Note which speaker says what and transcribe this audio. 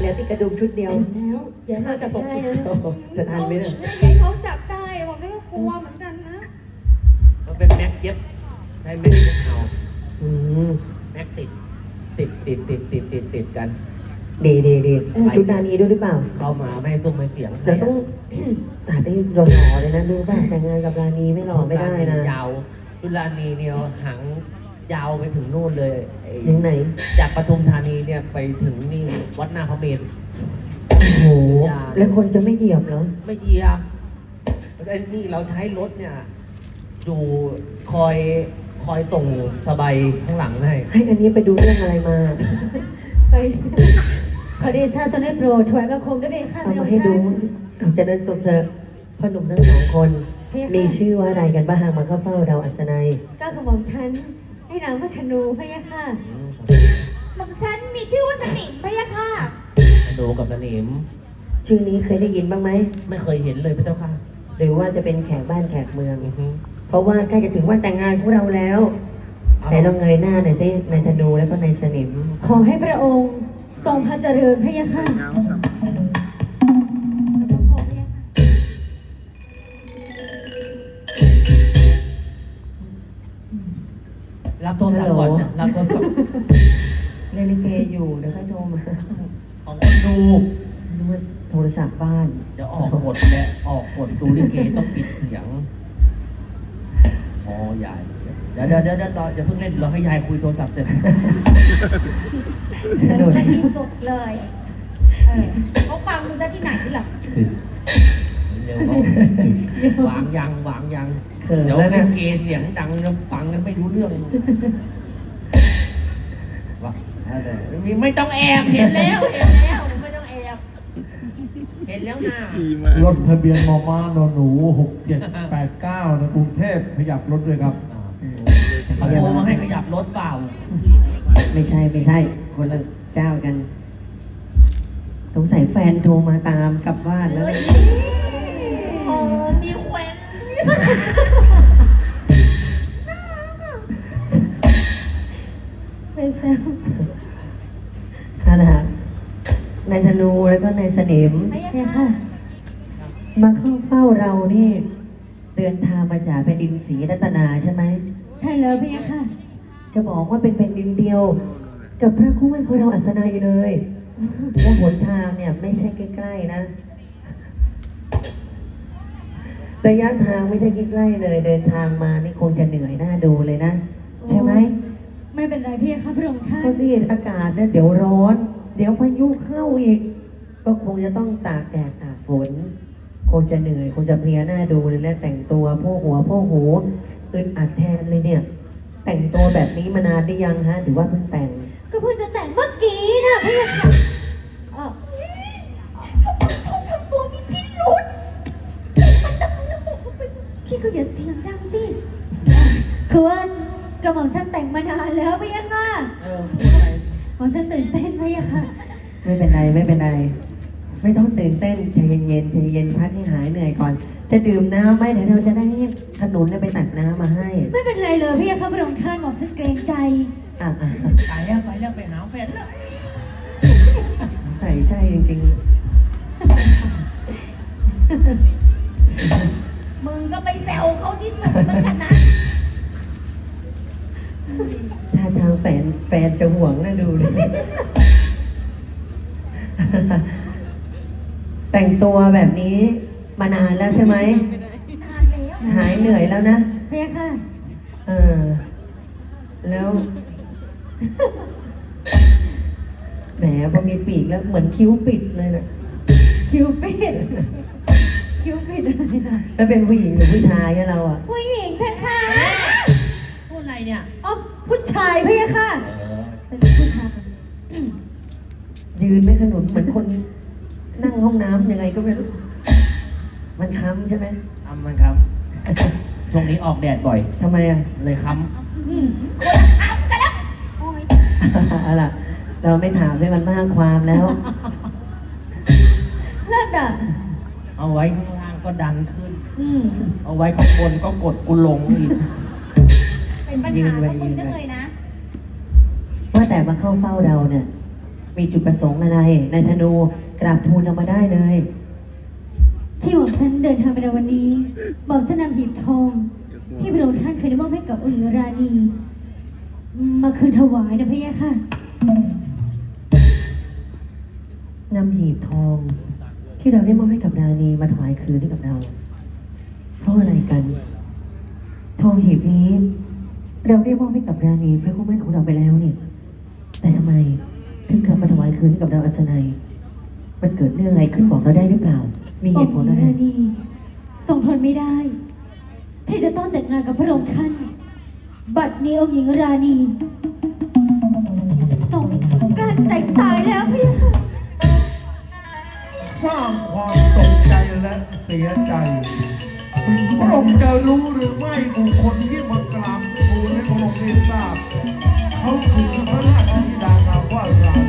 Speaker 1: ดี๋ยวติดกระดุมชุดเดียว
Speaker 2: แล้วเดี๋ยวเราจับได้นะ
Speaker 1: จะทันไหมเนี่ย
Speaker 3: ใหญ่เขาจับได้ผมก็กลัวเหมือนกันนะ
Speaker 4: มันเป็นแม็กเย็บใช้แม็กเย็บเอา
Speaker 1: อืม
Speaker 4: แม็กติดกัน
Speaker 1: ดีชุดดานีด้วยหรือเปล่า
Speaker 4: เข้ามาไม่ให้ซุ้มไม่เสียง
Speaker 1: เดี๋ยวต้อง ตัดได้หล่อๆเลยนะรู้ป่ะแต่งงานกับรานีไม่หล่อไม่ได้นะ
Speaker 4: ยาวดุลานีเนี่ยหางยาวไปถึงนู่นเลยไอ้
Speaker 1: ยังไหน
Speaker 4: จากปทุมธานีเนี่ยไปถึงนี่วัดหน้าพระเมรุ
Speaker 1: โอ้โหแล้วคนจะไม่เหยียบเหรอ
Speaker 4: ไม่เหยียบไอ้นี่เราใช้รถเนี่ยอยู่คอยส่งสบายข้างหลังให้
Speaker 1: ให้อันนี้ไปดูเรื่องอะไรมา
Speaker 2: ไปขอเดชะสมเด็จโปรดถวายบังคมด้วยเบค่ะ
Speaker 1: เอามาให้ดูเอาจะเดินสุขเธอะพ่อหนุ่มทั้งสองคน มีชื่อว่าอะไรกันบ้างมาเข้าเฝ้าเราอัศนัย
Speaker 2: ก้าวกระหม่อมฉันให้นางพัฒนูพะยะค่ะ
Speaker 3: หม่อมฉันมีชื่อว่าสนิมพะยะค่ะ
Speaker 4: ดูกับสนิม
Speaker 1: ชื่อนี้เคยได้ยินบ้างไหม
Speaker 4: ไม่เคยเห็นเลยพระเจ้าค่ะ
Speaker 1: หรือว่าจะเป็นแขกบ้านแขกเมือง
Speaker 4: อือฮึ
Speaker 1: เพราะว่าใกล้จะถึงวันแต่งงานของเราแล้วไหนลองเงยหน้าหน่อยสินายธนูแล้วก็นายสนิม
Speaker 2: ขอให้พระองค์ทรงพระเจริญพะยะค่ะ
Speaker 4: รับโทรศัพท์ก่อนนะรับโทรศัพท์
Speaker 1: เล่นลิเกอยู่เดี๋ยวค่อยโทรมา
Speaker 4: ของคนดู
Speaker 1: นึกว่าโทรศัพท์บ้าน
Speaker 4: เดี๋ยวออกกฎและออกกฎดูลิเกต้องปิดเสียงอ๋อยายเดี๋ยวอย่าเพิ่งเล่นเราให้ยายคุยโทรศัพท์เสร็จ
Speaker 1: โดด
Speaker 3: ซะที่สุดเลยเขาฟังดูซะที่ไหนที่หลัง
Speaker 4: เร็วเขาวางยัง
Speaker 1: เขิน
Speaker 4: เดี๋ยว
Speaker 1: แล้ว
Speaker 4: ลิ
Speaker 1: เนี่ย
Speaker 4: เกเสียงดังแล้วฟังกันไม่รู้เรื่องว่าแต่ไม่ต้องแอบเห็นแล้วไม่ต้องแอบเห็นแล้วนะ
Speaker 5: รถทะเบียนมอม้านหนู6789ในกรุงเทพขยับรถด้วยครับ
Speaker 4: เขาโทรมาให้ขยับรถเปล่า
Speaker 1: ไม่ใช่คนละเจ้ากันสงสัยแฟนโทรมาตามกลับบ้านแล้ว
Speaker 4: อ๋อมีแควน
Speaker 2: ไปแซว
Speaker 1: นั่นแหละครับนายธนูแล้วก็นายสนิม
Speaker 3: พะยะ
Speaker 2: พะยะ
Speaker 3: ค่ะ
Speaker 2: ค่ะ
Speaker 1: มาเข้าเฝ้าเรานี่ เดินทางมาจากแผ่นดินศรีรัตนาใช่ไหม
Speaker 2: ใช่แล้วพะยะค่ะ
Speaker 1: จะบอกว่าเป็นแผ่นดินเดียว กับพระคู่มั่นของเราอัศนัยเลยและหนทางเนี่ยไม่ใช่ใกล้ๆนะระยะทางไม่ใช่ใกล้ๆเลย เดินทางมานี่คงจะเหนื่อยหน้าดูเลยนะใช่ไหม
Speaker 2: ไม่เป็นไรพะยะค่ะพระองค์ท่า
Speaker 1: เพราะ
Speaker 2: น
Speaker 1: ที่อากาศเนี่ยเดี๋ยวร้อน เดี๋ยวพายุเข้าอีก ก็คงจะต้องตากแดดตากฝน คงจะเหนื่อย คงจะเพลียหน้าดูเลยและแต่งตัวโพกหัวโพกหูอึดอัดแทนเลยเนี่ย แต่งตัวแบบนี้มานานได้ยังฮะหรือว่าเพิ่งแต่ง
Speaker 2: ก็เพิ่งจะแต่งเมื่อกี้นะพะยะค่ะอ้าว
Speaker 3: ทำตัวมีพิรุษ
Speaker 2: พี่ก็อย่าเสียงดังสิคือว่ากระหม่อมฉันแต่งมานานแล้วพะยะค่ะ หม่อมฉันตื่นเต้นพะยะค่ะ
Speaker 1: ไม่เป็นไร ไม่ต้องตื่นเต้นใจเย็นพักให้หายเหนื่อยก่อน จะดื่มน้ำไหมเดี๋ยวเราจะได้ให้ขนุนเนี่ยไปตักน้ำมาให้
Speaker 2: ไม่เป็นไรเลยพะยะค่ะพระองค์ท่านหม่อมฉันเกรงใจ
Speaker 1: อ่ะ
Speaker 4: ไปแล้วไปหาแฟนแล้ว
Speaker 1: ใส่ใจจริง
Speaker 3: มึงก็ไปแซวเขาที่สุดเหมือนกันนะ
Speaker 1: ๆถ้าทางแฟนจะห่วงนะดูเลย แต่งตัวแบบนี้มานานแล้วใช่ไหม
Speaker 3: นานแล้ว
Speaker 1: หายเหนื่อยแล้วนะ
Speaker 2: พะยะค่ะ
Speaker 1: เออ แล้ว แหมพอมีปีกแล้วเหมือนคิ้วปิดเลยนะ
Speaker 2: คิวปิดคิวปิดอะไรนะ
Speaker 1: แล้วเป็นผู้หญิงหรือผู้ชายอะเราอะ
Speaker 2: ผู้หญิงเพคะ
Speaker 4: พูดอะไรเนี่ย
Speaker 2: อ๋อผู้ชายพะยะค่ะ เป็นผู้ชาย
Speaker 1: ยืนไม่ขนุนเหมือนคนนั่งห้องน้ำยังไงก็ไม่รู้ มันค้ำใช่ไหม
Speaker 4: ทำมันครับ ช่วงนี้ออกแดดบ่อย
Speaker 1: ทำไมอะ
Speaker 4: เลยค้
Speaker 3: โอ้ย
Speaker 1: เอาล่ะ เราไม่ถามให้มันมากความแล้ว
Speaker 2: เลิศอ่ะ
Speaker 4: ำเอาไว้ข้างล่างก็ดันขึ้น
Speaker 2: อืม
Speaker 4: เอาไว้ข้างบนก็กดกูลงอีก
Speaker 3: เป็นปัญหาของมึงจังเลยนะ
Speaker 1: ว่าแต่มาเข้าเฝ้าเราเนี่ย มมีจุดประสงค์อะไรนายธนูกราบทูลเรามาได้เลย
Speaker 2: ที่หม่อมฉันเดินทางไปในวันนี้หม่อมฉันนำหีบทอง ที่พระองค์ท่านเคยได้มอบให้กับองค์ราณีมาคืนถวายนะพี่ค่ะ
Speaker 1: นำหีบทอง ที่เราได้มอบให้กับราณีมาถวายคืนให้กับเรา เพราะอะไรกัน ทองหีบนี้ เราได้มอบให้กับราณีพระคู่มั่นของเราไปแล้วนี่ แต่ทำไมถึงกลับมาถวายคืนให้กับเราอัศนัย มันเกิดเรื่องอะไรขึ้นบอกเราได้หรือเปล่า มีเหตุผลอะไร
Speaker 2: ราณีทรงทนไม่ได้ ที่จะต้องแต่งงานกับพระองค์ท่าน บัดนี้องค์หญิงราณีทรงกลั้นใจตายแล้วพี่ค่ะ
Speaker 5: สร้างความตกใจและเสียใจพระองค์จะรู้หรือไม่บุคคลที่มากราบทูลให้พระองค์ได้ทราบเขาคือพระราชธิดานามว่ารา